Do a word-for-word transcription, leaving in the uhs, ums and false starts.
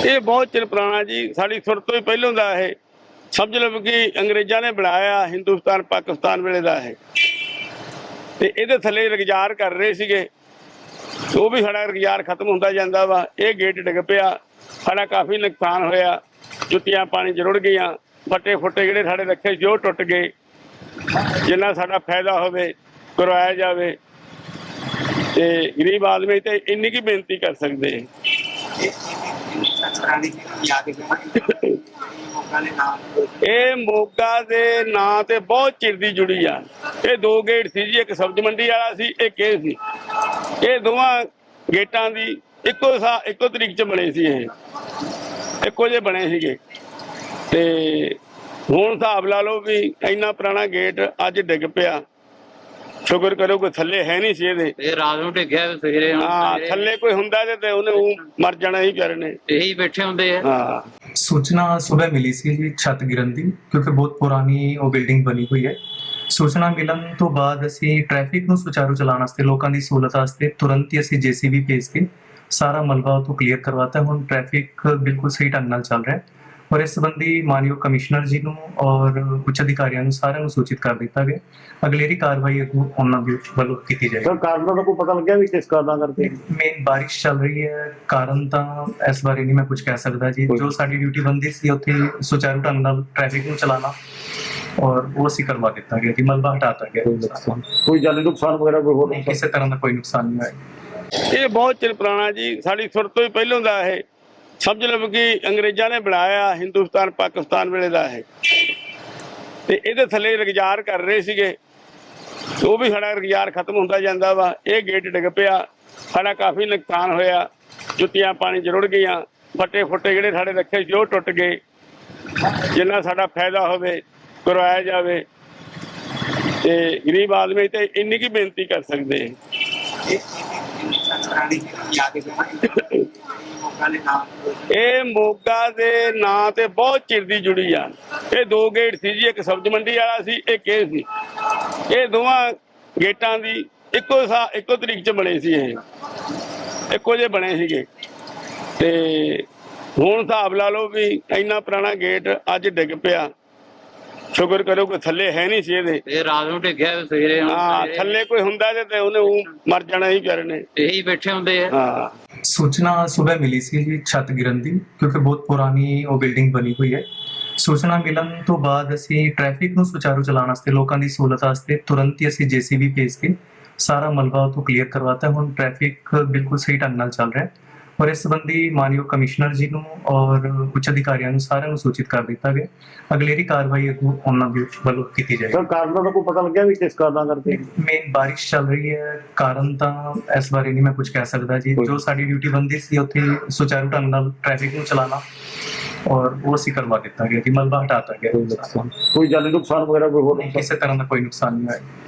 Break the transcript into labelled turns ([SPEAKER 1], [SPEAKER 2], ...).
[SPEAKER 1] ਇਹ ਬਹੁਤ ਚਿਰ ਪੁਰਾਣਾ ਜੀ, ਸਾਡੀ ਸੁਰ ਤੋਂ ਹੀ ਪਹਿਲੋਂ ਦਾ ਇਹ ਸਮਝ ਲਓ ਕਿ ਅੰਗਰੇਜ਼ਾਂ ਨੇ ਬਣਾਇਆ ਹਿੰਦੁਸਤਾਨ ਪਾਕਿਸਤਾਨ ਵੇਲੇ ਦਾ ਇਹ, ਤੇ ਇਹਦੇ ਥੱਲੇ ਰੁਜ਼ਗਾਰ ਕਰ ਰਹੇ ਸੀਗੇ। ਉਹ ਵੀ ਸਾਡਾ ਰੁਜ਼ਗਾਰ ਖਤਮ ਹੁੰਦਾ ਜਾਂਦਾ ਵਾ। ਇਹ ਗੇਟ ਡਿੱਗ ਪਿਆ, ਸਾਡਾ ਕਾਫੀ ਨੁਕਸਾਨ ਹੋਇਆ, ਜੁੱਤੀਆਂ ਪਾਣੀ 'ਚ ਰੁੜ ਗਈਆਂ, ਫੱਟੇ ਫੁੱਟੇ ਜਿਹੜੇ ਸਾਡੇ ਰੱਖੇ ਸੀ ਉਹ ਟੁੱਟ ਗਏ। ਜਿੰਨਾ ਸਾਡਾ ਫਾਇਦਾ ਹੋਵੇ ਕਰਵਾਇਆ ਜਾਵੇ, ਤੇ ਗਰੀਬ ਆਦਮੀ ਤੇ ਇੰਨੀ ਕੀ ਬੇਨਤੀ ਕਰ ਸਕਦੇ। ਇਹ ਮੋਗਾ ਦੇ ਨਾਂ ਤੇ ਬਹੁਤ ਚਿਰ ਦੀ ਜੁੜੀ ਆ। ਇਹ ਦੋ ਗੇਟ ਸੀ ਜੀ, ਇੱਕ ਸਬਜ਼ ਮੰਡੀ ਵਾਲਾ ਸੀ, ਇੱਕ ਇਹ ਸੀ। ਇਹ ਦੋਵਾਂ ਗੇਟਾਂ ਦੀ ਇੱਕੋ ਸਾ ਇੱਕੋ ਤਰੀਕ 'ਚ ਬਣੇ ਸੀ, ਇਹ ਇੱਕੋ ਜਿਹੇ ਬਣੇ ਸੀਗੇ। ਤੇ ਹੁਣ ਹਿਸਾਬ ਲਾ ਲਓ ਵੀ ਇੰਨਾ ਪੁਰਾਣਾ ਗੇਟ ਅੱਜ ਡਿੱਗ ਪਿਆ। ਸ਼ੁਕਰ ਕਰੋ ਕੋਈ ਥੱਲੇ ਹੈ ਨਹੀਂ ਸੀ ਇਹਦੇ।
[SPEAKER 2] ਇਹ ਰਾਤ ਨੂੰ ਡਿੱਗਿਆ ਸਵੇਰੇ।
[SPEAKER 1] ਹਾਂ, ਥੱਲੇ ਕੋਈ ਹੁੰਦਾ ਤੇ ਉਹਨੇ ਉਹ ਮਰ ਜਾਣਾ ਹੀ ਵਿਚਾਰੇ ਨੇ।
[SPEAKER 2] ਇਹੀ ਬੈਠੇ ਹੁੰਦੇ ਆ।
[SPEAKER 1] ਹਾਂ,
[SPEAKER 3] सूचना सुबह मिली सी जी छत गिरन दी, क्योंकि बहुत पुरानी वो बिल्डिंग बनी हुई है। सूचना मिलन तो बाद असी ट्रैफिक ਨੂੰ ਸੁਚਾਰੂ ਚਲਾਉਣ ਵਾਸਤੇ ਲੋਕਾਂ ਦੀ ਸਹੂਲਤ ਵਾਸਤੇ ਤੁਰੰਤ ਹੀ ਅਸੀਂ ਜੀਸੀਬੀ ਭੇਜ ਕੇ ਸਾਰਾ ਮਲਬਾ ਤੋਂ ਕਲੀਅਰ ਕਰਵਾਤਾ। ਹੁਣ ਟ੍ਰੈਫਿਕ ਬਿਲਕੁਲ ਸਹੀ ਢੰਗ ਨਾਲ ਚੱਲ ਰਿਹਾ ਹੈ ਔਰ ਇਸ ਸੰਬੰਧੀ ਮਾਨਯੋਗ ਕਮਿਸ਼ਨਰ ਜੀ ਨੂੰ ਔਰ ਉੱਚ ਅਧਿਕਾਰੀਆਂ ਨੂੰ ਸਾਰਿਆਂ ਨੂੰ ਸੂਚਿਤ ਕਰ ਦਿੱਤਾ ਗਿਆ। ਅਗਲੇਰੀ ਕਾਰਵਾਈ ਅੱਗੋਂ ਉਹਨਾਂ ਦੇ ਵੱਲੋਂ ਕੀਤੀ ਜਾਏਗੀ।
[SPEAKER 4] ਸਰ ਕਾਰਨ ਦਾ ਕੋਈ ਪਤਾ ਲੱਗਿਆ ਵੀ ਕਿਸ ਕਾਰਨ ਕਰਕੇ?
[SPEAKER 3] ਮੇਨ ਬਾਰਿਸ਼ ਚੱਲ ਰਹੀ ਹੈ, ਕਾਰਨ ਤਾਂ ਇਸ ਬਾਰੇ ਨਹੀਂ ਮੈਂ ਕੁਝ ਕਹਿ ਸਕਦਾ ਜੀ। ਜੋ ਸਾਡੀ ਡਿਊਟੀ ਬੰਦੀ ਸੀ ਉੱਥੇ ਸੁਚਾਰੂ ਢੰਗ ਨਾਲ ਟ੍ਰੈਫਿਕ ਨੂੰ ਚਲਾਉਣਾ, ਔਰ ਉਹ ਅਸੀਂ ਕਰਵਾ ਦਿੱਤਾ ਗਿਆ ਜੀ। ਮਲਬਾ ਹਟਾਤਾ ਗਿਆ।
[SPEAKER 4] ਕੋਈ ਜਾਨੀ ਨੁਕਸਾਨ ਵਗੈਰਾ ਕੋਈ ਹੋਰ?
[SPEAKER 3] ਕਿਸੇ ਤਰ੍ਹਾਂ ਦਾ ਕੋਈ ਨੁਕਸਾਨ ਨਹੀਂ ਹੋਇਆ।
[SPEAKER 1] ਇਹ ਬਹੁਤ ਚਿਰ ਪੁਰਾਣਾ ਜੀ, ਸਾਡੀ ਸੁਰ ਤੋਂ ਹੀ ਪਹਿਲੋਂ ਦਾ ਇਹ ਸਮਝ ਲਓ ਕਿ ਅੰਗਰੇਜ਼ਾਂ ਨੇ ਬਣਾਇਆ ਹਿੰਦੁਸਤਾਨ ਪਾਕਿਸਤਾਨ ਵੇਲੇ ਦਾ ਇਹ, ਤੇ ਇਹਦੇ ਥੱਲੇ ਰੁਜ਼ਗਾਰ ਕਰ ਰਹੇ ਸੀਗੇ। ਉਹ ਵੀ ਸਾਡਾ ਰੁਜ਼ਗਾਰ ਖਤਮ ਹੁੰਦਾ ਜਾਂਦਾ ਵਾ। ਇਹ ਗੇਟ ਡਿੱਗ ਪਿਆ, ਸਾਡਾ ਕਾਫੀ ਨੁਕਸਾਨ ਹੋਇਆ, ਜੁੱਤੀਆਂ ਪਾਣੀ 'ਚ ਰੁੜ ਗਈਆਂ, ਫੱਟੇ ਫੁੱਟੇ ਜਿਹੜੇ ਸਾਡੇ ਰੱਖੇ ਸੀ ਉਹ ਟੁੱਟ ਗਏ। ਜਿੰਨਾ ਸਾਡਾ ਫਾਇਦਾ ਹੋਵੇ ਕਰਵਾਇਆ ਜਾਵੇ, ਤੇ ਗਰੀਬ ਆਦਮੀ ਤੇ ਇੰਨੀ ਕੀ ਬੇਨਤੀ ਕਰ ਸਕਦੇ। ਇਹ ਮੋਗਾ ਦੇ ਨਾਂ ਤੇ ਬਹੁਤ ਚਿਰ ਦੀ ਜੁੜੀ ਆ। ਇਹ ਦੋ ਗੇਟ ਸੀ ਜੀ, ਇੱਕ ਸਬਜ਼ ਮੰਡੀ ਵਾਲਾ ਸੀ, ਇੱਕ ਇਹ ਸੀ। ਇਹ ਦੋਵਾਂ ਗੇਟਾਂ ਦੀ ਇੱਕੋ ਸਾ ਇੱਕੋ ਤਰੀਕ 'ਚ ਬਣੇ ਸੀ, ਇਹ ਇੱਕੋ ਜਿਹੇ ਬਣੇ ਸੀਗੇ। ਤੇ ਹੁਣ ਹਿਸਾਬ ਲਾ ਲਓ ਵੀ ਇੰਨਾ ਪੁਰਾਣਾ ਗੇਟ ਅੱਜ ਡਿੱਗ ਪਿਆ। ਸ਼ੁਕਰ ਕਰੋ ਕੋਈ ਥੱਲੇ ਹੈ ਨਹੀਂ ਸੀ ਇਹਦੇ।
[SPEAKER 2] ਇਹ ਰਾਤ ਨੂੰ ਡਿੱਗਿਆ ਸਵੇਰੇ।
[SPEAKER 1] ਹਾਂ, ਥੱਲੇ ਕੋਈ ਹੁੰਦਾ ਤੇ ਉਹਨੇ ਉਹ ਮਰ ਜਾਣਾ ਹੀ ਵਿਚਾਰੇ ਨੇ।
[SPEAKER 2] ਇਹੀ ਬੈਠੇ ਹੁੰਦੇ ਆ।
[SPEAKER 1] ਹਾਂ,
[SPEAKER 3] सूचना सुबह मिली सी जी छत गिरन दी, क्योंकि बहुत पुरानी वो बिल्डिंग बनी हुई है। सूचना मिलन तो बाद असी ट्रैफिक ਨੂੰ ਸੁਚਾਰੂ ਚਲਾਉਣ ਵਾਸਤੇ ਲੋਕਾਂ ਦੀ ਸਹੂਲਤ ਵਾਸਤੇ ਤੁਰੰਤ ਹੀ ਅਸੀਂ ਜੀਸੀਬੀ ਭੇਜ ਕੇ ਸਾਰਾ ਮਲਬਾ ਤੋਂ ਕਲੀਅਰ ਕਰਵਾਤਾ। ਹੁਣ ਟ੍ਰੈਫਿਕ ਬਿਲਕੁਲ ਸਹੀ ਢੰਗ ਨਾਲ ਚੱਲ ਰਿਹਾ ਹੈ ਔਰ ਇਸ ਸੰਬੰਧੀ ਮਾਨਯੋਗ ਕਮਿਸ਼ਨਰ ਜੀ ਨੂੰ ਔਰ ਉੱਚ ਅਧਿਕਾਰੀਆਂ ਨੂੰ ਸਾਰਿਆਂ ਨੂੰ ਸੂਚਿਤ ਕਰ ਦਿੱਤਾ ਗਿਆ। ਅਗਲੇਰੀ ਕਾਰਵਾਈ ਅੱਗੋਂ ਉਹਨਾਂ ਦੇ ਵੱਲੋਂ ਕੀਤੀ ਜਾਏਗੀ।
[SPEAKER 4] ਸਰ ਕਾਰਨ ਦਾ ਕੋਈ ਪਤਾ ਲੱਗਿਆ ਵੀ ਕਿਸ ਕਾਰਨ ਕਰਕੇ?
[SPEAKER 3] ਮੇਨ ਬਾਰਿਸ਼ ਚੱਲ ਰਹੀ ਹੈ, ਕਾਰਨ ਤਾਂ ਇਸ ਬਾਰੇ ਨਹੀਂ ਮੈਂ ਕੁਝ ਕਹਿ ਸਕਦਾ ਜੀ। ਜੋ ਸਾਡੀ ਡਿਊਟੀ ਬੰਦੀ ਸੀ ਉੱਥੇ ਸੁਚਾਰੂ ਢੰਗ ਨਾਲ ਟ੍ਰੈਫਿਕ ਨੂੰ ਚਲਾਉਣਾ, ਔਰ ਉਹ ਅਸੀਂ ਕਰਵਾ ਦਿੱਤਾ ਗਿਆ ਜੀ। ਮਲਬਾ ਹਟਾਤਾ ਗਿਆ।
[SPEAKER 4] ਕੋਈ ਜਾਨੀ ਨੁਕਸਾਨ ਵਗੈਰਾ ਕੋਈ ਹੋਰ?
[SPEAKER 3] ਕਿਸੇ ਤਰ੍ਹਾਂ ਦਾ ਕੋਈ ਨੁਕਸਾਨ ਨਹੀਂ ਹੋਇਆ।